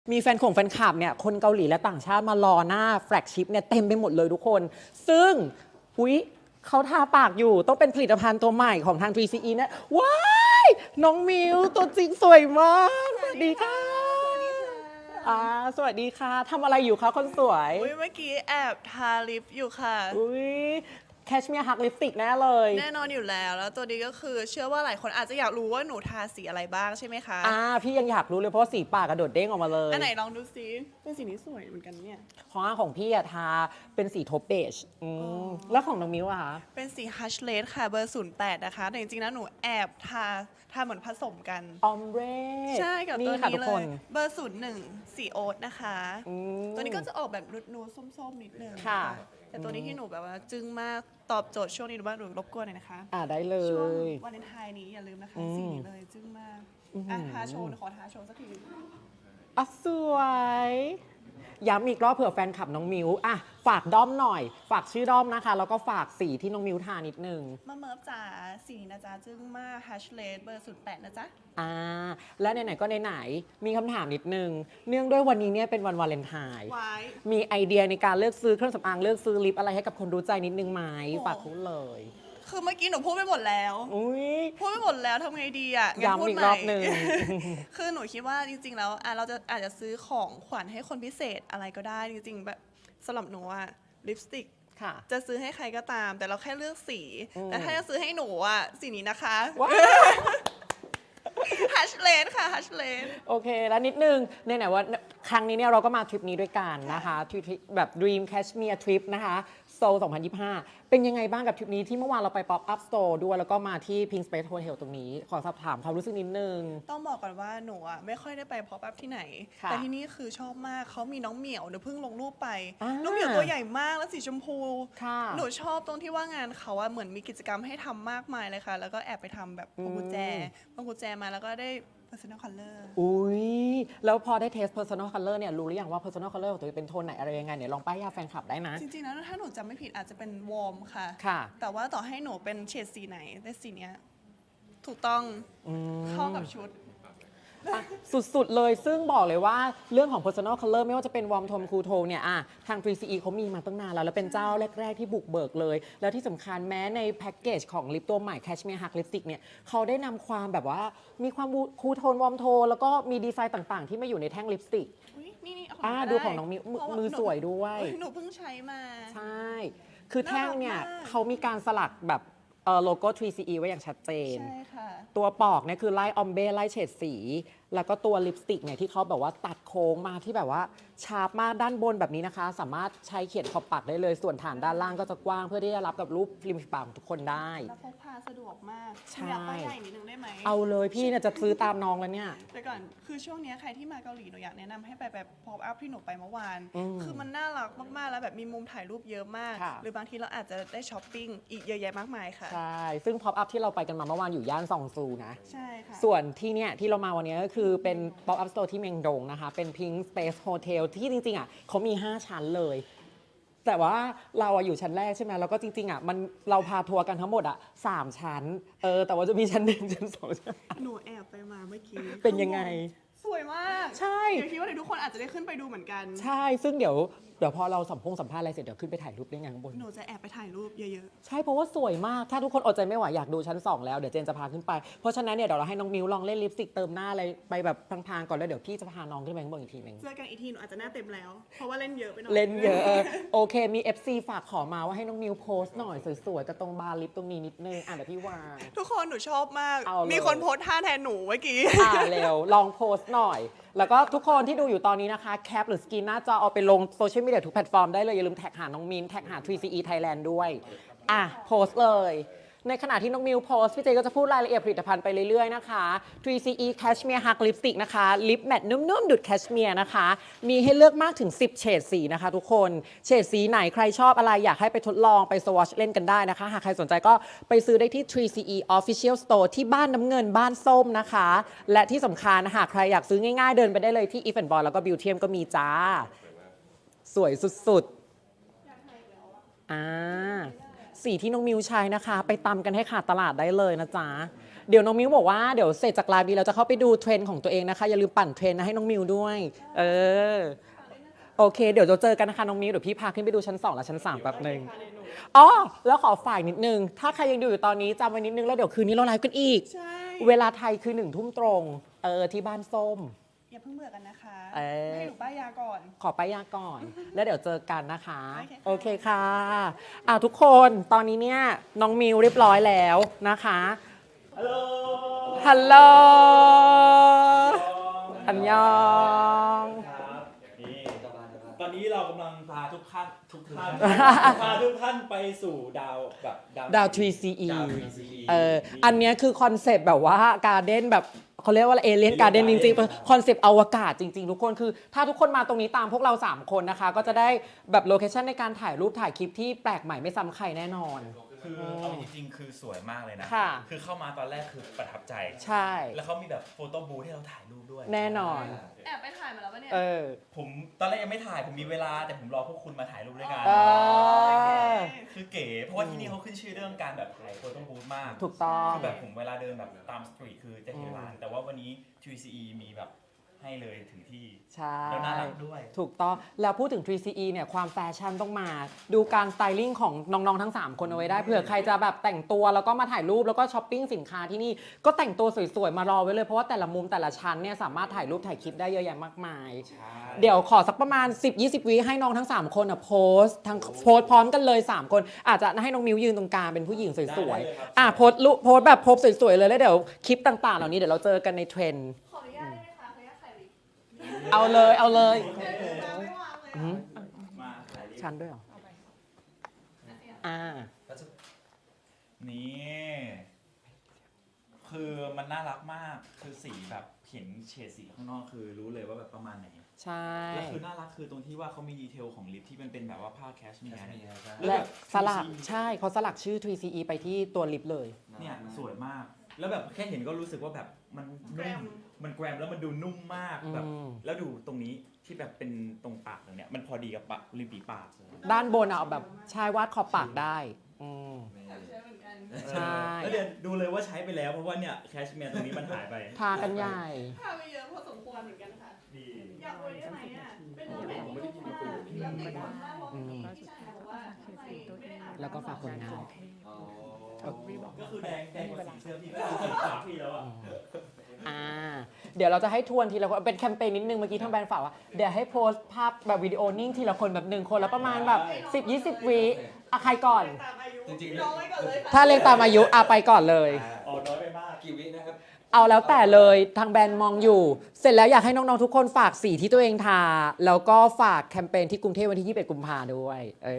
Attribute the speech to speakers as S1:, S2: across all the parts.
S1: มีแฟนคลับเนี่ยคนเกาหลีและต่างชาติมารอหน้าแฟลกชิพเนี่ยเต็มไปหมดเลยทุกคน ซึ่งอุ๊ยเขาทาปากอยู่ต้องเป็นผลิตภัณฑ์ตัวใหม่ของทาง 3CE นะว้ายน้องมิวตัวจริงสวยมากสวัสดีค่ะสวัสดีค่ะทำอะไรอยู่คะคนสวย
S2: อุ๊ยเมื่อกี้แอบทาลิปอยู่ค่ะ
S1: อุ๊ยแคชเมียร์ฮักลิปสติกแน่เลย
S2: แน่นอนอยู่แล้วตัวนี้ก็คือเชื่อว่าหลายคนอาจจะอยากรู้ว่าหนูทาสีอะไรบ้างใช่ไหมคะ
S1: พี่ยังอยากรู้เลยเพราะว่าสีปากกระโดดเด้งออกมาเลย
S2: อันไหนลองดูซิเป็นสีนี้สวยเหมือนกันเนี่ย
S1: ของพี่อะทาเป็นสีโทปเบจแล้วของน้องมิวอะคะ
S2: เป็นสีฮัชเลดค่ะเบอร์ 08 นะคะแต่จริงๆนะหนูแอบทาเหมือนผสมกัน
S1: ออมเร่
S2: ใช่กับตัว
S1: ค่ะ
S2: นี้
S1: ทุก
S2: เล
S1: คน
S2: ยเบอร์ 01 สีโอ๊ตนะคะตัวนี้ก็จะออกแบบนูดๆส้มๆนิดนึง
S1: ค่ะ
S2: แต่ตัวนี้ที่หนูแบบว่าจึ้งมากตอบโจทย์ช่วงนี้หนูว่าหนูรบกวนหน่อยนะคะ
S1: ได้เล
S2: ช่วง
S1: ย
S2: วาเลนไทน์นี้อย่าลืมนะคะสีนี้เลยจึ้งมากทาโชว์ขอทาโชว์สักที
S1: สวย ย้ำอีกรอบเผื่อแฟนคลับน้องมิวฝากด้อมหน่อย ฝากชื่อด้อมนะคะ แล้วก็ฝากสีที่น้องมิวทานิดนึง
S2: มาเมิร์ฟจ๋าสีนี้นะจ๊ะจึ้งมากฮัชเลดเบอร์ 08 นะจ๊ะ
S1: และไหนๆก็ไหนๆมีคำถามนิดนึง เนื่องด้วยวันนี้เนี่ยเป็นวันวาเลนไทน์
S2: ไว้
S1: มีไอเดียในการเลือกซื้อเครื่องสำอางเลือกซื้อลิปอะไรให้กับคนรู้ใจนิดนึงไหม
S2: โอ้
S1: ฝากพูดเลย
S2: คือเมื่อกี้หนูพูดไปหมดแล้ว
S1: อุ้ย
S2: พูดไปหมดแล้วทำไงดีอ่ะงั้นพู
S1: ย้ำ
S2: ด
S1: อีก
S2: ให
S1: ร
S2: ม่
S1: อบหนึ่ง
S2: คือหนูคิดว่าจริงๆแล้วเราจะอาจจะซื้อของขวัญให้คนพิเศษอะไรก็ได้จริงๆแบบสำหรับหนูอะลิปสติก
S1: ค่ะ
S2: จะซื้อให้ใครก็ตาม แต่เราแค่เลือกสี แต่ถ้าจะซื้อให้หนูอะสีนี้นะคะ
S1: ว้าว
S2: ฮัชเลดค่ะฮัชเลด
S1: โอเค แล้วนิดนึงไหนๆว่าครั้งนี้เนี่ยเราก็มาทริปนี้ด้วยกันนะคะทริปแบบ Dream Cashmere Trip นะคะโซล2025 เป็นยังไงบ้างกับทริปนี้ที่เมื่อวานเราไป Pop Up Store ด้วยแล้วก็มาที่ Pink Space Hotel ตรงนี้ ขอสอบถามความรู้สึกนิดนึง
S2: ต้องบอกก่อนว่าหนูอ่ะไม่ค่อยได้ไปพอปอัพที่ไหน
S1: ค่ะ
S2: แต่ที่นี่คือชอบมากเขามีน้องเหมียวหนูเพิ่งลงรูปไป
S1: อ่า
S2: น้องเหมียวตัวใหญ่มากแล้วสีชมพู
S1: ค่ะ
S2: หนูชอบตรงที่ว่างานเขาอะเหมือนมีกิจกรรมให้ทำมากมายเลยค่ะ แล้วก็แอบไปทำแบบพวงกุญแจมาแล้วก็ได้ personal color
S1: อุ้ยแล้วพอได้เทส personal color เนี่ยรู้หรือยังว่า personal color ของตัวเองเป็นโทนไหนอะไรยังไงเนี่ยลองป้ายยาแฟนคลับได้นะ
S2: จริงๆแล้วถ้าหนูจำไม่ผิดอาจจะเป็นวอร์มค่ะ
S1: ค่ะ
S2: แต่ว่าต่อให้หนูเป็นเฉดสีไหนแต่สีเนี้ยถูกต้องเข้ากับชุด
S1: สุดๆ เลยซึ่งบอกเลยว่าเรื่องของ personal color ไม่ว่าจะเป็นวอร์มโทนคูลโทนเนี่ยทาง 3CE เขามีมาตั้งนานแล้วเป็นเจ้าแรก ๆ ที่บุกเบิกเลย แล้วที่สำคัญแม้ในแพ็กเกจของลิปตัวใหม่ Cashmere Hug Lipstick เนี่ยเขาได้นำความแบบว่ามีความคูลโทนวอร์มโทนแล้วก็มีดีไซน์ต่างๆ ที่มาอยู่ในแท่งลิปสติก
S2: อุ๊ยนี่เอา
S1: ดู
S2: ได้
S1: ของน้องมิว
S2: เพราะา
S1: มือสวยด้วย
S2: หนูเพิ่งใช้มา
S1: ใช่ คือแท่งเนี่ย
S2: น่ารักมาก
S1: เขามีการสลักแบบโลโก้ 3CE ไว้อย่างชัดเจน
S2: ใช่ค่ะ
S1: ตัวปอกเนี่ยคือไล่ออมเบ้ไล่เฉดสี แล้วก็ตัวลิปสติกเนี่ยที่เขาแบบว่าตัดโค้งมาที่แบบว่าชาร์ปมากด้านบนแบบนี้นะคะ สามารถใช้เขียนขอบปากได้เลย ส่วนฐานด้านล่างก็จะกว้างเพื่อที่จะรับกับรูปริมฝีปากของทุกคนได้
S2: แล้วพกพาสะดวกมาก
S1: ใช่
S2: อยากป้ายใหญ่นิดนึงได้ไหม
S1: เอาเลยพี่เนี่ยจะซื้อตามน้องแล้วเนี่ย
S2: แต่ก่อนคือช่วงเนี้ยใครที่มาเกาหลีหนูอยากแนะนำให้ไปแบบพอปอัพที่หนูไปเมื่อวาน คือมันน่ารักมากๆแล้วแบบมีมุมถ่ายรูปเยอะมาก
S1: ค่ะ
S2: หรือบางทีเราอาจจะได้ช้อปปิ้งอีกเยอะแยะมากมายค่ะ
S1: ใช่ ซึ่ง pop up ที่เราไปกันมาเมื่อวานอยู่ย่านซองซูนะ
S2: ใช่ค่ะ
S1: ส่วนที่เนี่ยที่เรามาวันนี้ก็คือเป็น pop up store ที่เมียงดงนะคะ เป็น Pink Space Hotel ที่จริงๆเขามี 5 ชั้นเลย แต่ว่าเราอยู่ชั้นแรกใช่ไหมแล้วก็จริงๆเราพาทัวร์กันทั้งหมด3 ชั้น แต่ว่าจะมีชั้น 1 ชั้น 2 ชั้น
S2: หนูแอบไปมาเมื่อกี้
S1: เป็นยังไง
S2: สวยมาก
S1: ใช่
S2: เดี๋ยวคิดว่าเดี๋ยวทุกคนอาจจะได้ขึ้นไปดูเหมือนกัน
S1: ใช่ ซึ่งเดี๋ยวพอเราสัมภาษณ์อะไรเสร็จเดี๋ยวขึ้นไปถ่ายรูปได้ไงข้างบน
S2: หนูจะแอบไปถ่ายรูปเยอะ
S1: ใช่เพราะว่าสวยมาก ถ้าทุกคนอดใจไม่ไหวอยากดูชั้น 2 แล้ว เดี๋ยวเจนจะพาขึ้นไป เพราะฉะนั้นเนี่ยเดี๋ยวเราให้น้องมิวลองเล่นลิปสติกเติมหน้าอะไรไปแบบพลางๆก่อนแล้วเดี๋ยวพี่จะพาน้องขึ้นไปข้างบนอีกทีหนึง
S2: ๆเจอกันอีกทีหนูอาจจะหน้าเต็มแล้ว เพราะว่าเล่นเยอะไปหน่อย
S1: เล่นเยอะโอเคมี FC ฝากขอมาว่าให้น้องมิวโพสต์หน่อยสวยๆกับตรงบาร์ลิปตรงนี้นิดนึงเดี๋ยวพี่วาง
S2: ทุกคนหนูชอบมาก
S1: เอาเลย
S2: มีคนโพสท่าแทนหนูเมื่อกี้
S1: เร็วลองโพสต์หน่อย แล้วก็ทุกคนที่ดูอยู่ตอนนี้นะคะแคปหรือสกรีนหน้าจอเอาไปลงโซเชียลมีเดียทุกแพลตฟอร์มได้เลย อย่าลืมแท็กหาน้องมินแท็กหา 3CE Thailand ด้วยโพสต์เลย ในขณะที่น้องมิวโพสต์พี่เจก็จะพูดรายละเอียดผลิตภัณฑ์ไปเรื่อยๆนะคะ 3CE Cashmere Hug Lipstick นะคะลิปแมตต์นุ่มๆ ดุดแคชเมียร์นะคะ มีให้เลือกมากถึง 10 เฉดสีนะคะทุกคน เฉดสีไหนใครชอบอะไรอยากให้ไปทดลองไปสวอชเล่นกันได้นะคะ หากใครสนใจก็ไปซื้อได้ที่ 3CE Official Store ที่บ้านน้ำเงินบ้านส้มนะคะ และที่สำคัญหากใครอยากซื้อง่ายๆ เดินไปได้เลยที่ If and Boy แล้วก็ Beautyem ก็มีจ้า สวยสุดๆ สีที่น้องมิวใช้นะคะ ไปตำกันให้ขาดตลาดได้เลยนะจ๊ะเดี๋ยวน้องมิวบอกว่าเดี๋ยวเสร็จจากไลฟ์นี้เราจะเข้าไปดูเทรนด์ของตัวเองนะคะอย่าลืมปั่นเทรนด์นะให้น้องมิวด้วยเออโอเคเดี๋ยวเราเจอกันนะคะน้องมิวเดี๋ยวพี่พาขึ้นไปดูชั้น2และชั้น3แป๊บหนึงอ๋อแล้วขอฝ่ายนิดนึงถ้าใครยังดูอยู่ตอนนี้จำไว้นิดนึงแล้วเดี๋ยวคืนนี้เราไลฟ์กันอีก
S2: ใช่
S1: เวลาไทยคือ1 ทุ่มตรงที่บ้านส้ม
S2: อย่าเพิ่งเบื่อกันนะคะ
S1: เอ่อ
S2: ให้หนูป้ายยาก่อน
S1: ขอไปยาก่อน แล้วเดี๋ยวเจอกันนะคะ
S2: โอเคค่ะ
S1: โอเคค่ะทุกคนตอนนี้เนี่ยน้องมิวเรียบร้อยแล้วนะคะฮัลโหลอันยอง
S3: ครับนี่ตอนนี้เรากำลังพาทุกท่านพาทุกท่านไปสู่ดาวแบบ
S1: ดาว 3CE
S3: ดาว 3CE
S1: อันเนี้ยคือคอนเซปต์แบบว่าการ์เด้นแบบเขาเรียกว่าเอเลียนการ์เด้นจริงๆคอนเซปต์อวกาศจริงๆทุกคนคือถ้าทุกคนมาตรงนี้ตามพวกเรา 3 คนนะคะ ก็จะได้แบบโลเคชั่นในการถ่ายรูปถ่ายคลิปที่แปลกใหม่ไม่ซ้ำใครแน่นอน
S4: คือเอาจริงๆคือสวยมากเลยนะ
S1: ค่ะ
S4: คือเข้ามาตอนแรกคือประทับใจ
S1: ใช่
S4: แล้วเขามีแบบโฟโต้บูธให้เราถ่ายรูปด้วย
S1: แน่นอน
S2: แอบไปถ่ายมาแล้วปะเนี่ย
S4: ผมตอนแรกยังไม่ถ่ายผมมีเวลาแต่ผมรอพวกคุณมาถ่ายรูปด้วยกัน
S1: เออ
S4: คือเก๋เพราะว่าที่นี่เขาขึ้นชื่อเรื่องการแบบถ่ายโฟโต้บูธมาก
S1: ถูกต้อง
S4: คือแบบผมเวลาเดินแบบตามสตรีทคือจะเห็นร้านแต่ว่าวันนี้ 3CE มีแบบให้เลยถึงที่
S1: ใช่
S4: แล้วน่ารักด้วย
S1: ถูกต้อง แล้วพูดถึง 3CE เนี่ยความแฟชั่นต้องมา ดูการสไตลิ่งของน้องๆทั้ง 3 คนเอาไว้ได้เผื่อใครจะแบบแต่งตัวแล้วก็มาถ่ายรูปแล้วก็ช้อปปิ้งสินค้าที่นี่ก็แต่งตัวสวยๆ มารอไว้เลยเพราะว่าแต่ละมุมแต่ละชั้นเนี่ยสามารถถ่ายรูปถ่ายคลิปได้เยอะแยะมากมาย เดี๋ยวขอสักประมาณ 10-20 วิให้น้องทั้ง 3 คนโพสต์พร้อมกันเลย 3 คน อาจจะให้น้องมิวยืนตรงกลางเป็นผู้หญิงสวยๆโพสต์แบบโพสต์สวยๆเลยแล้วเดี๋ยวคลิปต่างๆเหล่านี้เดี๋ยวเราเจอกันในเทรนด์
S2: ขออนุญาตได้ไหมคะขออนุญาตถ่ายวิดี
S1: เอาเลยเอาเลย
S2: โอไม่วางเลยอะ
S4: มาถ่ายรูป
S1: ชั้นด้วยเหรออ่า
S4: นี่ คือมันน่ารักมาก คือสีแบบเห็นเฉดสีข้างนอกคือรู้เลยว่าแบบประมาณไหน
S1: ใช่
S4: แล้วคือน่ารักคือตรงที่ว่าเขามีดีเทลของลิปที่มันเป็นแบบว่าผ้าแคชเมียร์เนี่ย
S1: และสลักใช่เขาสลักชื่อ 3CE ไปที่ตัวลิปเลย
S4: เนี่ยสวยมาก แล้วแบบแค่เห็นก็รู้สึกว่าแบบมันนุ่มมันแกรมแล้วมันดูนุ่มมากแบบ
S1: อืม
S4: แล้วดูตรงนี้ที่แบบเป็นตรงปากตรงเนี้ยมันพอดีกับปากริมฝีปากเลย
S1: ด้านบนเอาแบบชายวาดขอบปากได้อืม
S2: เชื่อเหมือนกัน
S1: ใช่
S4: แล้วเดี๋ยวดูเลยว่าใช้ไปแล้วเพราะว่าเนี่ยแคชเมียร์ตรงนี้มันหายไป
S1: ทากันใหญ่
S2: พาไปเยอะพอสมควรเหมือนกันค่ะ
S4: ดี
S2: อยากรวยได้ไหมอ่ะ เป็นเนื้อแบบที่นุ่มมากแบบไม่ร้อนมากเพราะพี่ชายบอกว่าข้างในไม่ได้อาบน้ำ
S1: แล้วก็ฝากผลงาน
S4: ก็คือแดงกว่าสีเสื้อพี่ก็คือสีขาวพี่แล้วอ่ะ
S1: เดี๋ยวเราจะให้ทวนทีละคนเป็นแคมเปญนิดนึงเมื่อกี้ทางแบรนด์ฝากว่าเดี๋ยวให้โพสต์ภาพแบบวิดีโอนิ่งทีละคนแบบ1 คนแล้วประมาณแบบ 10-20 วิใครก่อน
S2: ตามอายุ
S5: จริงๆ
S2: น้อยก่อนเลยค่ะ
S1: ถ้าเรียงตามอายุไปก่อนเลย
S4: อ๋อน้อยไปมาก
S5: กี่วินะครับ
S1: เอาแล้วแต่เลยทางแบรนด์มองอยู่ เสร็จแล้วอยากให้น้องๆทุกคนฝากสีที่ตัวเองทา แล้วก็ฝากแคมเปญที่กรุงเทพวันที่ 21 กุมภาด้วย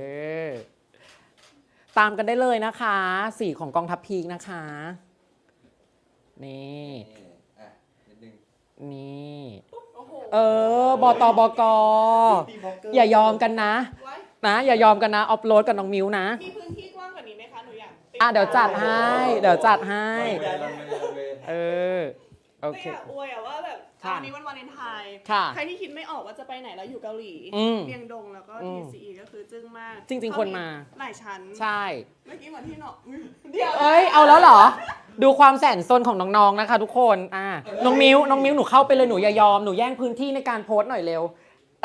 S1: ตามกันได้เลยนะคะ สีของกองทัพพีกนะคะ นี่
S5: อ่ะนิดนึง
S1: นี่
S2: โอ้โห
S1: บตบก อย่ายอมกันนะ
S2: ไว้
S1: อย่ายอมกันนะออฟโหลดกับน้องมิวนะ
S2: มีพื้นที่กว้างกว่านี้ไหมคะ หนูอยากติ
S1: เดี๋ยวจัดให้ เดี๋ยวจัดให้
S5: รันเวย์
S1: โอ
S2: ไม่
S1: เค
S2: อยากอวยอะว่าแบบ
S1: ค่ะ
S2: วันนี้วันวาเลนไทน์
S1: ค่ะ
S2: ใครที่คิดไม่ออกว่าจะไปไหนแล้วอยู่เกาหลี
S1: อืม
S2: เมียงดงแล้วก็
S1: อืม
S2: TCE ก็คือจึ้งมาก
S1: จริงๆควรมา
S2: หลายชั้น
S1: ใช่
S2: เมื่อกี้เหมือนที่เนาะอุ๊ยเดี๋ยว
S1: เอาแล้วเหรอ ดูความแสนซนของน้องๆนะคะทุกคนน้องมิวหนูเข้าไปเลยหนูอย่ายอมหนูแย่งพื้นที่ในการโพสต์หน่อยเร็ว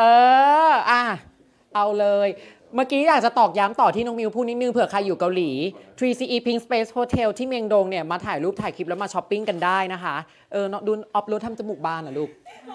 S1: เอาเลย เมื่อกี้อยากจะตอกย้ำต่อที่น้องมิวพูดนิดนึงเผื่อใครอยู่เกาหลี 3CE Pink Space Hotel ที่เมียงดงเนี่ยมาถ่ายรูปถ่ายคลิปแล้วมาช้อปปิ้งกันได้นะคะดูออฟโรดทำจมูกบานเหรอลูก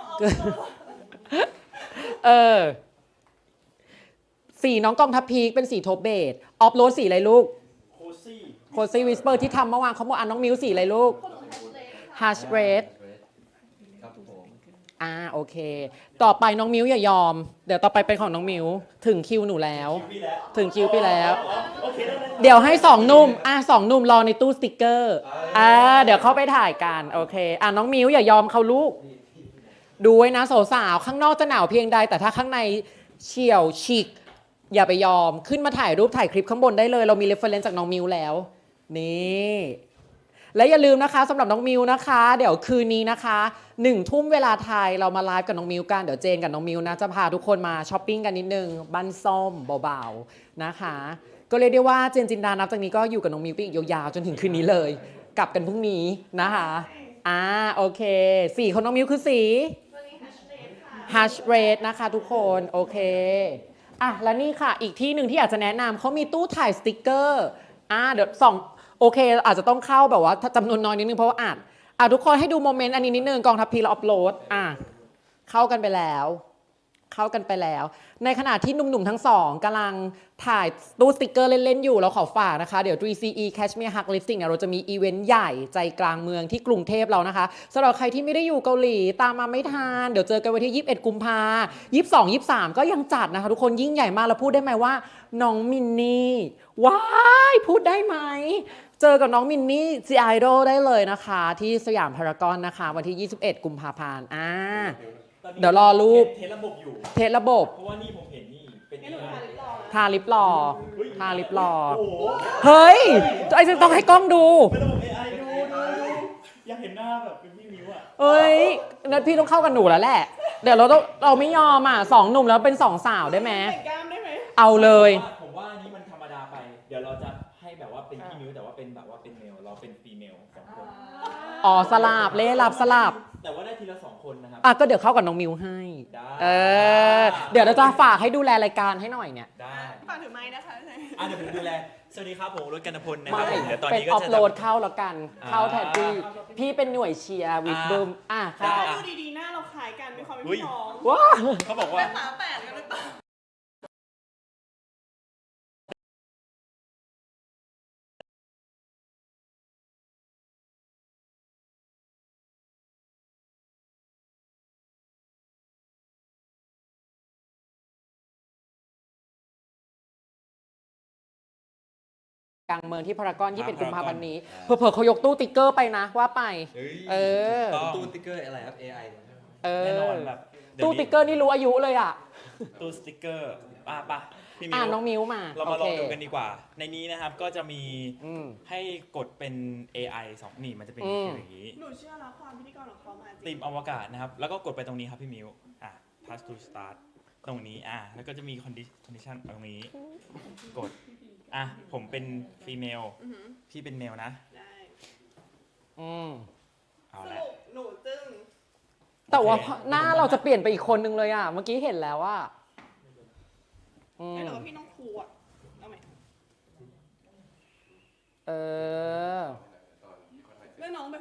S1: สีน้องกองทัพพีคเป็นสีโทปเบจออฟโรดสีอะไรลูก
S4: โคซี่
S1: โคซี่วิสเปอร์ที่ทำเมื่อวานเขาบอกน้องมิวสีอะไรลูก ฮัชเรด
S5: ครับผม
S1: โอเค ต่อไปน้องมิวอย่ายอม เดี๋ยวต่อไปเป็นของน้องมิวถึงคิวหนูแล้ว
S4: พี่แล้ว
S1: ถึงคิวไปแล้ว
S4: โอเคได้
S1: เดี๋ยวให้2 หนุ่ม2 หนุ่มรอในตู้สติกเกอร์เดี๋ยวเข้าไปถ่ายกันโอเคน้องมิวอย่ายอมเขาลูก ดูไว้นะสาวๆข้างนอกจะหนาวเพียงใดแต่ถ้าข้างในเฉี่ยวฉีกอย่าไปยอมขึ้นมาถ่ายรูปถ่ายคลิปข้างบนได้เลย เรามีเรฟเฟอเรนซ์จากน้องมิวแล้วนี่และอย่าลืมนะคะสำหรับน้องมิวนะคะ เดี๋ยวคืนนี้นะคะ1 ทุ่มเวลาไทยเรามาไลฟ์กับน้องมิวกันเดี๋ยวเจนกับน้องมิวนะจะพาทุกคนมาช้อปปิ้งกันนิดนึงบ้านส้มเบาๆนะคะ ก็เรียกได้ว่าเจนจินดานับจากนี้ก็อยู่กับน้องมิวไปอีกยาวๆจนถึงคืนนี้เลยกลับกันพรุ่งนี้นะคะโอเคสีของน้องมิวคือสี
S2: ตัวนี้ hash rate ค่ะ
S1: hash rate นะคะทุกคนโอเคแล้วนี่ค่ะอีกที่หนึ่งที่อยากจะแนะนำเขามีตู้ถ่ายสติกเกอร์เดี๋ยวส่องโอเคอาจจะต้องเข้าแบบว่าจำนวนน้อยนิดนึงเพราะว่าทุกคนให้ดูโมเมนต์อันนี้นิดนึงกองทัพพีเราอัพโหลดเข้ากันไปแล้ว ในขณะที่หนุ่มๆทั้งสองกำลังถ่ายตู้สติกเกอร์เล่นๆอยู่เราขอฝากนะคะเดี๋ยว 3CE Cashmere Hug Lipstick เนี่ยเราจะมีอีเวนต์ใหญ่ใจกลางเมืองที่กรุงเทพเรานะคะสำหรับใครที่ไม่ได้อยู่เกาหลีตามมาไม่ทันเดี๋ยวเจอกันวันที่21กุมภา22 23ก็ยังจัดนะคะทุกคนยิ่งใหญ่มากเราพูดได้ไหมว่าน้องมินนี่ว้ายพูดได้ไหมเจอกับน้องมินนี่ซีไอดอลได้เลยนะคะที่สยามพารากอนนะคะวันที่21กุมภาพันธ์เดี๋ยวรอรูป
S3: เทสระบบอยู่
S1: เทสระบบ
S3: เพราะว่านี่ผมเห็นนี่เป็น
S2: งั้นหนูทาลิปรอนะ
S1: ทาลิปรอ ทาลิปรอ
S3: โอ้โห
S1: เฮ้ยไอ้จะต้องให้กล้องดู
S3: เป็นระบบ AI ดูอยากเห็นหน้าแบบเป็นพี่มิวอ่ะ
S1: เอ้ยนัดพี่ต้องเข้ากับหนูแล้วแหละ เดี๋ยวเราไม่ยอมสองหนุ่มแล้วเป็นสองสาวได้ไหม
S2: แต่งกล้ามได้ไหม
S1: เอาเลย
S3: ผมว่าอันนี้มันธรรมดาไป เดี๋ยวเราจะให้แบบว่าเป็นพี่มิวแต่ว่าเป็นแบบว่าเป็นเมลเราเป็นฟีเมลสองคน
S1: สลับเล่ลับสลับ
S3: แต่ว่าได้ทีละ2 คนนะครับ
S1: ก็เดี๋ยวเข้ากับน้องมิวให้
S3: ได้
S1: เดี๋ยวเราจะฝากให้ดูแลรายการให้หน่อยเนี่ย
S3: ได้
S2: ฝากถือไม้นะคะ
S3: เดี๋ยวผมดูแล สวัสดีครับผมรถกันพลนะค
S1: ไม่
S3: รับผมเดี๋ยวตอน
S1: เป็น
S3: นี้ก็
S1: ออฟ
S3: จะ
S1: โหลดเข้าแล้วกัน เข้าแทนพี่เป็นหน่วยเชียร์วิดบึมเข้า
S2: ดูดีๆหน้าเราคล้ายกันมีความเป็น
S3: อุ๊ย
S2: พี่น้อง
S1: ว้า
S3: เขาบอกว่า
S2: เป็นฝาแฝดกันหรือเปล่า
S1: กลางเมืองที่พารากอน21
S3: พารากอน
S1: กุมภาพันธ์นี้เผื่อๆเขายกตู้ติ๊กเกอร์ไปนะว่าไป
S5: เฮ้ย
S1: เออ
S5: ตู้ติ๊กเกอร์อะไรครับ AI
S3: แน่นอนแบบเดี๋ยว
S1: ตู้ติ๊กเกอร์นี่รู้อายุเลย
S3: ตู้สติ๊กเกอร์ป่ะพี่มิว
S1: น้องมิวมา
S3: เรามาลอง
S1: โค
S3: ดูกันดีกว่า ในนี้นะครับก็จะมี
S1: อืม
S3: ให้กดเป็น AI 2นี่มันจะเป็น
S1: อืม
S3: อย่างนี้
S2: หนูเชื่อแล้วความพิธีกรของเขามาจริ
S3: ตี
S2: ง
S3: มอวกาศนะครับ แล้วก็กดไปตรงนี้ครับพี่มิวpass to start ตรงนี้แล้วก็จะมี condition ตรงนี้ กดผมเป็นฟีเมล
S2: อือหือ
S3: พี่เป็นเมลนะ
S2: ได้
S1: อืม
S3: เอา
S2: ส
S3: ละ
S2: รุปหนูจึง
S1: แต่ว่า
S3: โอเค
S1: หน้าเราจะเปลี่ยนไปอีกคนนึงเลยเมื่อกี้เห็นแล้วอืม
S2: ไม่หนูว่าพี่น้องครูอ่ะเอาไหม
S1: เออ
S2: เรื่องน้องแบบ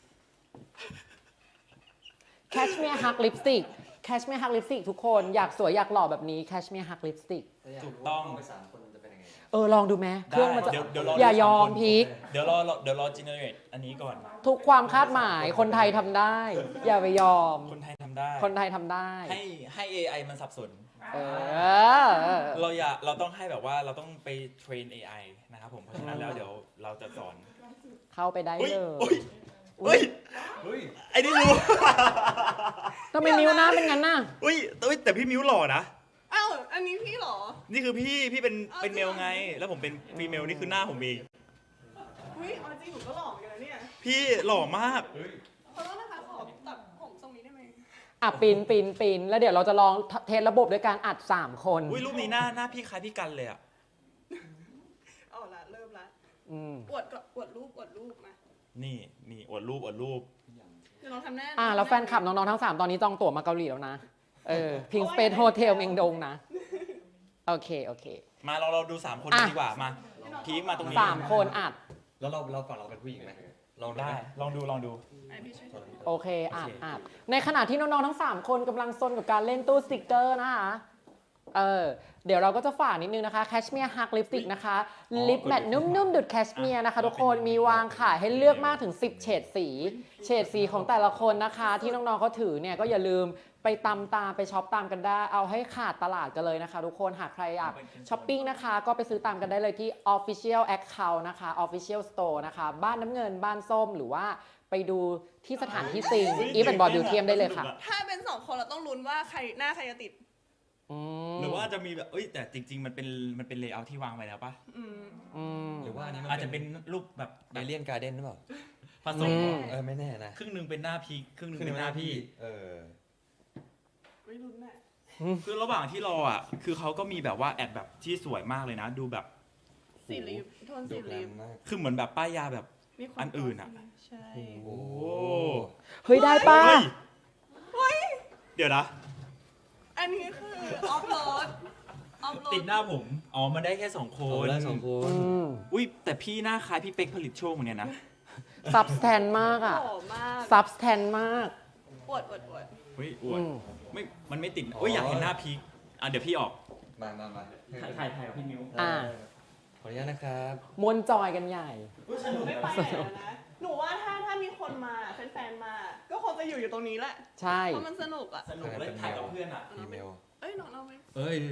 S1: Cashmere Hug Lipstick Cashmere Hug Lipstick ทุกคนอยากสวยอยากหล่อแบบนี้ Cashmere Hug Lipstick
S3: ถูกต้อง
S5: ไป3 คนมันจะเป็นยังไงครับ
S1: ลองดูไหมเครื่องมันจะ
S3: เดี๋ยวรอ
S1: อย่ายอม
S3: ดูสามคน
S1: พีค
S3: เดี๋ยวรอ generate อันนี้ก่อน
S1: ทุกความคาดหมายคนไทยทำได้ อย่าไปยอม
S3: คนไทยทำได้
S1: คนไทยทำได้
S3: ให้ AI มันสับสน
S1: เออ
S3: เราต้องให้แบบว่าเราต้องไปเทรน AI นะครับผม เพราะฉะนั้นแล้วเดี๋ยวเราจะสอน
S1: เข้าไปได้
S3: อุ้ย
S1: เลย
S3: อุ้ย
S5: เฮ้ย
S3: ไอ้นี่รู้
S1: ทำไมนิ้วหน้าเป็นงั้นน่ะ
S3: อุ้ยแต่พี่มิวหล่อนะ
S2: อ้าวอันนี้พี่เหรอ
S3: นี่คือพี่เป็น
S2: เอา
S3: เป็นเมล
S2: จริง
S3: ไง แล้วผมเป็นฟีเมลนี่คือหน้าผมเอง
S2: อุ้ยเอาจริงหนูก็หล่อเหมือนกันนะเนี่ย
S3: พี่หล่อมาก
S2: ขอโทษนะคะขอตัดผมทรงนี้ได้ไหม
S1: ปีนแล้วเดี๋ยวเราจะลองเทสระบบด้วยการอัด 3 คน
S3: อุ้ยรูปนี้หน้าพี่คล้ายพี่กันเลยอ่ะ
S2: เอาละเริ่มละ
S1: อืม
S2: อวดก่อนอวดรูปมา
S3: นี่อวดรูป
S2: เดี๋ยวน้องทำหน้า
S1: แล้วแฟนคลับน้องๆทั้ง 3 ตอนนี้จองตั๋วมาเกาหลีแล้วนะพิงสเปซโฮเทลเมงดงนะ โอเค
S3: มาเราดู3 คนกันดีกว่า มา พีคมาตรงนี้
S1: 3 คนอัด
S5: แล้วเราฝั่งเราเป็นผู้หญิงไหมลองดู
S3: ได้
S5: ไหม
S3: ลองดู
S2: อ่ะพี่ช่วย
S1: โอเคอัดในขณะที่น้องๆทั้ง 3 คนกำลังซนกับการเล่นตู้สติกเกอร์นะคะเดี๋ยวเราก็จะฝากนิดนึงนะคะ Cashmere Hug Lipstick นะคะลิปแมตนุ่มๆดุดแคชเมียร์นะคะทุกคนมีวางขายให้เลือกมากถึง10เฉดสีของแต่ละคนนะคะที่น้องๆเขาถือเนี่ยก็อย่าลืมไปตามไปช็อปตามกันได้เอาให้ขาดตลาดกันเลยนะคะทุกคนหากใครอยากช้อปปิ้งนะคะก็ไปซื้อตามกันได้เลยที่ Official Account นะคะ Official Store นะคะบ้านน้ำเงินบ้านส้มหรือว่าไปดูที่สถานที่จริงอีฟแอนด์บอลบิวเทียมได้เลยค่ะ
S2: ถ้าเป็น2 คนเราต้องลุ้นว่าหน้าใครจะติด
S3: หรือว่าจะมีแบบแต่จริงๆมันเป็นเลเยอร์ที่วางไว้แล้วปะ
S5: หรือว่าอันนี้มัน
S3: อาจจะเป็นรูปแบบ
S5: เอเลียนการ์เด้นหรือเปล่า
S3: ผสม
S5: ไม่แน่นะ
S3: ครึ่งหนึ่งเป็นหน้าพีคครึ่งหนึ่งเป็นหน้าพี่
S2: ไม่ลุ้นแม่
S3: คือระหว่างที่รอคือเขาก็มีแบบว่าแอดแบบที่สวยมากเลยนะ ดูแบบ
S2: สีลิปโทน
S5: ดู
S2: สี
S5: แกร
S2: ลิ
S5: ม
S2: ป
S5: มาก
S3: คือเหมือนแบบป้ายยาแบบ
S2: มีความ
S3: อันอื่นอะ
S2: ใช่
S5: โอ้
S1: เฮ้ย ได้ป่ะ
S3: เดี๋ยวนะ
S2: อันนี้คือออฟโหลด
S3: ติดหน้าผม อ๋อ มันได้แค่2 ค
S5: โห
S3: น
S5: ได้2 คน
S3: อุ้ยแต่พี่หน้าคล้ายพี่เป๊กผลิตโชคเหมือนกันนะ
S1: ซับสแตนมากอ่ะ
S2: หล่อมาก
S1: ซับสแตนมาก
S2: อวด
S3: อุ้ยอวด
S1: อืม
S3: ไม่ มันไม่ติดอุ้ยอยากเห็นหน้าพีคอ่ะเดี๋ยวพี่ออก
S5: มา
S3: ถ่ายกับพี่มิว
S1: อ่า
S5: ขออนุญาตนะครับ
S1: มวนจอยกันใหญ่
S2: ไม่ไปไหนแล้วนะ หนูว่าถ้ามีคนมาแฟนๆมา ก็คงจะอยู่ตรงนี้แหละ
S1: ใช่
S2: เพราะมันสนุกอ่ะ
S3: สนุกเลยถ่ายกับเพื่อนอ่ะ
S5: อีเมล
S2: เอ้ยน้องเราไม่
S5: เอ้ย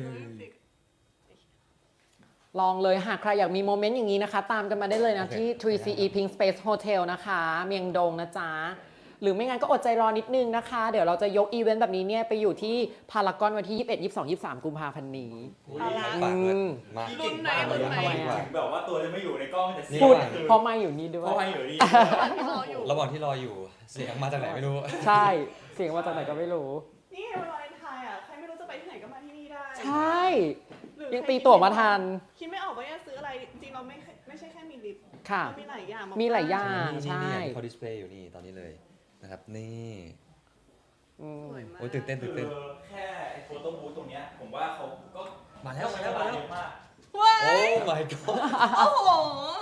S1: ลองเลยหากใครอยากมีโมเมนต์อย่างนี้นะคะ ตามกันมาได้เลยนะ
S5: โอเค
S1: ที่ 3CE Pink Space Hotel นะคะ เมียงดงนะจ๊ะ หรือไม่งั้นก็อดใจรอนิดนึงนะคะ เดี๋ยวเราจะยกอีเวนต์แบบนี้เนี่ยไปอยู่ที่พารากอนวันที่ 21 22 23 กุมภาพันธ์นี้
S2: เอาละ
S5: ฝากเลยมา
S2: รุ่นไหนรุ่นไหน
S1: ทำไมอะ
S3: แบบว่าตัวจะไม่อยู่ในกล้องแต่เสียง
S1: พูด
S3: คือ
S1: เพราะไม่อยู่นี่ด้ว
S3: เพราะ
S1: ย
S3: ว่าอยู่นี่
S2: ที่รออยู่
S5: ระหว่างที่รออยู่เสียงมาจากไหนไม่รู้
S1: ใช่ เสียงมาจากไหนก็ไม่รู้
S2: นี่ไงวันวาเลนไทน์อ่ะ ใครไม่รู้จะไปที่ไหนก็มาที่นี่ได้
S1: ใช่
S2: หรือ
S1: ยังตีตั๋วมาทัน
S2: คิดไม่ออกว่าจะซื้ออะไร จริงๆเราไม่ใช่แค่มีลิป
S1: ค่ะ
S2: เรามีหลายอย่าง
S1: มีหลายอย่าง
S5: นี่
S1: ใช่
S5: ที่เขาดิสเพลย์อยู่นี่ตอนนี้เลยนะครับ นี่
S1: อืม
S2: สวยมาก
S5: โอ้ยตื่นเต้น
S3: คือแค่ไอ้โฟโต้บูธตรงเนี้ยผมว่าเขาก็
S5: มาแล้ว
S3: ใช้เวลาเยอะมาก
S2: ว้า
S5: โอ้
S2: ย
S5: my god
S2: โอ้โห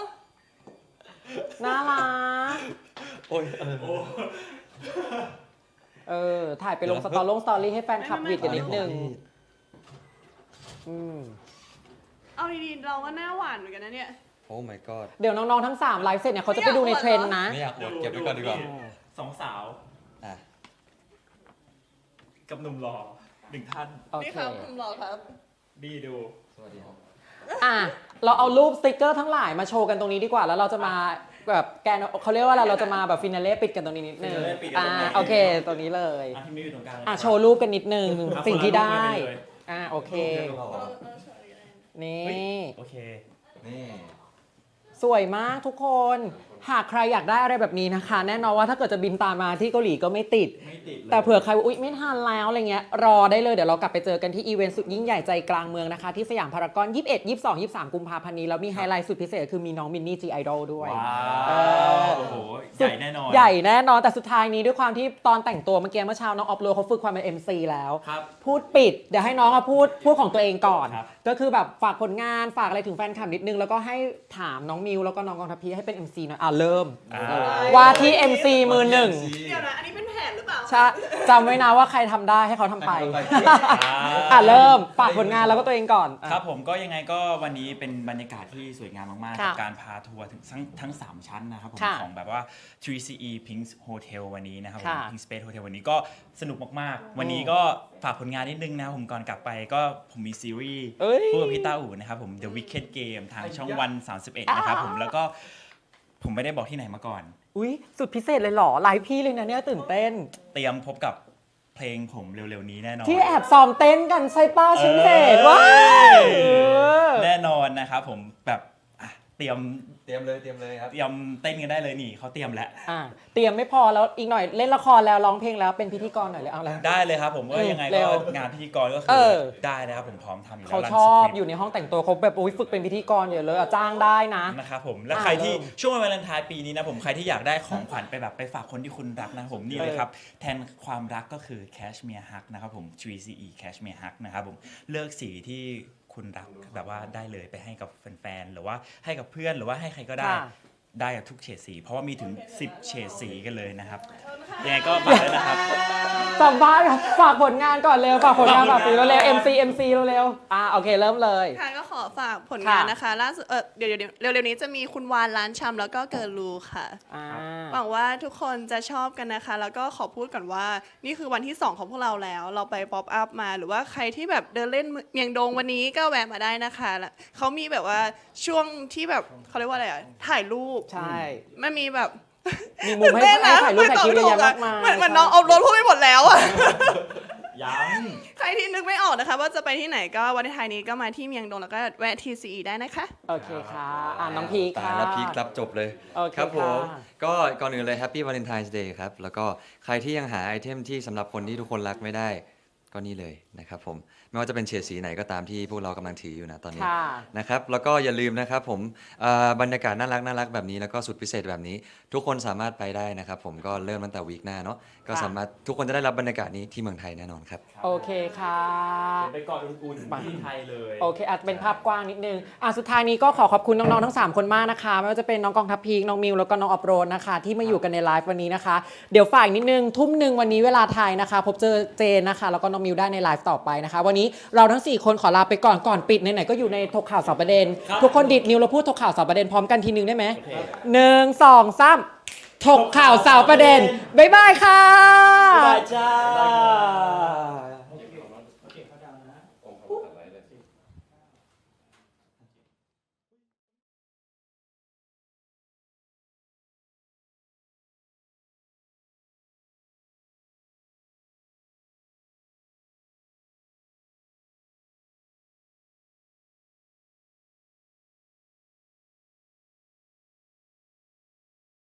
S1: น่ารัก
S5: โอ้ย
S1: ถ่ายไปลงสตอรี่ให้แฟนคลับวิดกันนิดนึง อืม
S2: เอาดีๆเราก็หน้าหวานเหมือนกันนะเนี่ย
S5: โอ้ my god
S1: เดี๋ยวน้องๆทั้ง 3 ไลฟ์เสร็จเนี่ยเขาจะไปดูในเทรนด์นะ
S5: ไม่อยากอวดเก็บไว้ก่อนดีกว่า
S3: สองสาว
S5: อ่ะ
S3: กับหนุ่มหล่อ1 ท่าน
S1: โอ
S2: นี่
S1: เค
S2: ครับคุณหล่อครับ
S3: ดีดู
S5: สวัสดีครับ
S1: อ่ะ เราเอารูปสติกเกอร์ทั้งหลายมาโชว์กันตรงนี้ดีกว่า แล้วเราจะมาแบบแกนเขาเรียกว่าอะไรเราจะมาแบบฟินาเล่ปิดกันตรงนี้นิดนึง
S3: finale ปิดกันตรงนี้
S1: โอเค ตรงนี้เลย
S3: อ่ะพี่มิวอยู่ตรงกลางเลย
S1: อ่ะ โชว์รูปกันนิดนึง
S3: ครับ
S1: สิ่งที่ได้
S3: คนละรูปเลย
S1: โอเค นี่
S3: โอเค
S5: นี่
S1: สวยมากทุกคน หากใครอยากได้อะไรแบบนี้นะคะ แน่นอนว่าถ้าเกิดจะบินตามมาที่เกาหลีก็ไม่ติด
S3: ไม่ติดเลย
S1: แต่เผื่อใครว่าอุ๊ยไม่ทันแล้วอะไรเงี้ยรอได้เลยเดี๋ยวเรากลับไปเจอกันที่อีเวนต์สุดยิ่งใหญ่ใจกลางเมืองนะคะ ที่สยามพารากอน 21 22 23 กุมภาพันธ์นี้ แล้วมีไฮไลท์สุดพิเศษคือมีน้องมินนี่จีไอดอลด้วย
S3: ว้า
S1: เออ
S3: วโอ้โห ใหญ่แน่นอน
S1: ใหญ่แน่นอนแต่สุดท้ายนี้ด้วยความที่ตอนแต่งตัวเมื่อกี้เมื่อเช้าน้องออฟโรดเขาฝึกความเป็น MC แล้ว
S3: ครับ
S1: พูดปิดเดี๋ยวให้น้องมาพูดของตัวเองก่อน
S3: ครับ
S1: ก็คือแบบฝากผลงานฝากอะไรถึงแฟนคลับนิดนึง แล้วก็ให้ถามน้องมิวแล้วก็น้องกองทัพพีให้เป็น MC หน่อยเริ่ม ว่าที่ MC มือหนึ่ง
S2: เดี๋ยวนะ อันนี้เป็นแผนหรือเปล่า
S1: ใช่จำไว้นะว่าใครทำได้ให้เขาทำไป
S5: ให้เขาทำ
S1: เริ่มฝากผลงานแล้วก็ตัวเองก่อน
S3: ครับผมก็ยังไงก็วันนี้เป็นบรรยากาศที่สวยงามมากๆ
S1: ค่ะ
S3: กับการพาทัวร์ถึงทั้ง 3 ชั้นนะครับผม
S1: ค่ะ
S3: ของแบบว่า 3CE Pink Hotel วันนี้นะครับผม
S1: ค่ะ
S3: Pink Space Hotel วันนี้ก็สนุกมากๆ วันนี้ก็ฝากผลงานนิดนึงนะครับผมก่อนกลับไปก็ผมมีซีรีส์
S1: เอ้ย
S3: คู่กับพี่ต้าอู่นะครับผม The Wicked Game ทางช่องวัน 31 นะครับผมแล้วก็ผมไม่ได้บอกที่ไหนมาก่อน
S1: อุ๊ย สุดพิเศษเลยเหรอไลฟ์พี่เลยนะเนี่ยตื่นเต้น
S3: เตรียมพบกับเพลงผมเร็วๆนี้แน่นอน
S1: ที่แอบซ้อมเต้นกันใช่ป้าฉันเห็นว้า
S3: แน่นอนนะครับผมแบบอ่ะเตรียม
S5: เตรียมเลยครับ
S3: เตรียมเต้นกันได้เลยนี่เขาเตรียมแล้ว
S1: เตรียมไม่พอแล้วอีกหน่อยเล่นละครแล้วร้องเพลงแล้วเป็นพิธีกรหน่อยเลยเอาแล้ว
S3: ได้เลยครับผมก็ยังไง
S1: เร็
S3: ก็
S1: ว
S3: งานพิธีกรก็คื
S1: เอ
S3: อ
S1: อ
S3: ได้นะครับผมพร้อมทำอยู่แล้ว
S1: เขา
S3: รัน
S1: ชอบ
S3: สคริปต์
S1: อยู่ในห้องแต่งตัวเขาแบบอุ๊ยฝึกเป็นพิธีกรอยู่เลยจ้างได้นะ
S3: นะครับผมและ
S1: อ่า
S3: ใครที่
S1: เริ่ม
S3: ช่วงวันวาเลนไทน์ปีนี้นะผมใครที่อยากได้ของขวัญไปแบบไปฝากคนที่คุณรักนะครับผมนี่เลยครับแทนความรักก็คือ Cashmere Hug นะครับผม 3CE Cashmere Hug นะครับผมเลือกสีที่คุณรักแบบว่าได้เลยไปให้กับแฟนๆหรือว่าให้กับเพื่อนหรือว่าให้ใครก็ได้
S1: ค่ะ
S3: ได้กับทุกเฉดสี เพราะว่ามีถึง 10 เฉดสีกันเลยนะครับยังไงก็ฝากด้วยนะครับ
S1: สัมภาษณ์ครับฝากผลงานก่อนเร็วฝากผลงานฝากฟิวเร็ว MC เร็วโอเคเริ่มเลย
S2: ค่ะก็ขอฝากผลงานนะคะล่าสุดเดี๋ยวเร็วๆนี้จะมีคุณวานร้านชำแล้วก็เกิร์ลรูค่ะ หวังว่าทุกคนจะชอบกันนะคะ แล้วก็ขอพูดก่อนว่านี่คือวันที่ 2 ของพวกเราแล้ว เราไปป๊อปอัพมาหรือว่าใครที่แบบเดินเล่นเมียงดงวันนี้ก็แวะมาได้นะคะแล้วเขามีแบบว่าช่วงที่แบบเขาเรียกว่าอะไรอะถ่ายรูป
S1: ใช่
S2: ไม่มีแบบ
S1: มีมุมให้ถ่ายรูปถ่ายคลิปเยอะแยะมากมาย
S2: เหมือนน้องเอารถพูดไปหมดแล้วอะ
S3: ยัง
S2: ใครที่นึกไม่ออกนะคะ ว่าจะไปที่ไหนก็วันที่ไทยนี้ก็มาที่เมียงดงแล้วก็แวะ TCE ได้นะคะ
S1: โอเคค่ะน้องพีค
S5: ตาย
S1: ค่ะ
S5: แล้วพีครับจบเลย
S1: โอเค
S5: ครับผม
S1: ค่ะ
S5: ก็ก่อนอื่นเลย Happy Valentine's Day ครับ แล้วก็ใครที่ยังหาไอเทมที่สำหรับคนที่ทุกคนรักไม่ได้ ก็นี่เลยนะครับผมไม่ว่าจะเป็นเฉดสีไหนก็ตามที่พวกเรากำลังถืออยู่นะตอนนี้
S1: ค่ะ
S5: นะครับแล้วก็อย่าลืมนะครับผมบรรยากาศน่ารักแบบนี้แล้วก็สุดพิเศษแบบนี้ ทุกคนสามารถไปได้นะครับผมก็เริ่มตั้งแต่วีคหน้าเนาะก็สามารถทุกคนจะได้รับบรรยากาศนี้ที่เมืองไทยแน่นอนครับ
S1: โอเคค่ะ
S4: เดี๋ยวไปเกาะอุ่นๆที่ไทยเลย
S1: โอเคอาจจะเป็นภาพกว้างนิดนึงสุดท้ายนี้ก็ขอขอบคุณน้องๆทั้ง 3 คนมากนะคะไม่ว่าจะเป็นน้องกองทัพพีคน้องมิวแล้วก็น้องออฟโรดนะคะที่มาอยู่กันในไลฟ์วันนี้นะคะเดี๋ยวฝ่ายนิดนึงทุ่มหนึ่งวันนี้เวลาไทยนะคะ พบเจอเจนนะคะแล้วก็น้องมิวได้ในไลฟ์ต่อไปนะคะวันนี้เราทั้ง 4 คนขอลาไปก่อนปิดไหนๆก็อยู่ในถกข่าวสอบประเด็น ทุกคนดิดนิ้วแล้วพูดถกข่าวสอบประเด็นพร้อมกันทีนึงได้ไหม1 2 3ถกข่าวสาวประเด็นบ๊ายบายค่ะ
S4: บ๊ายบายจ้า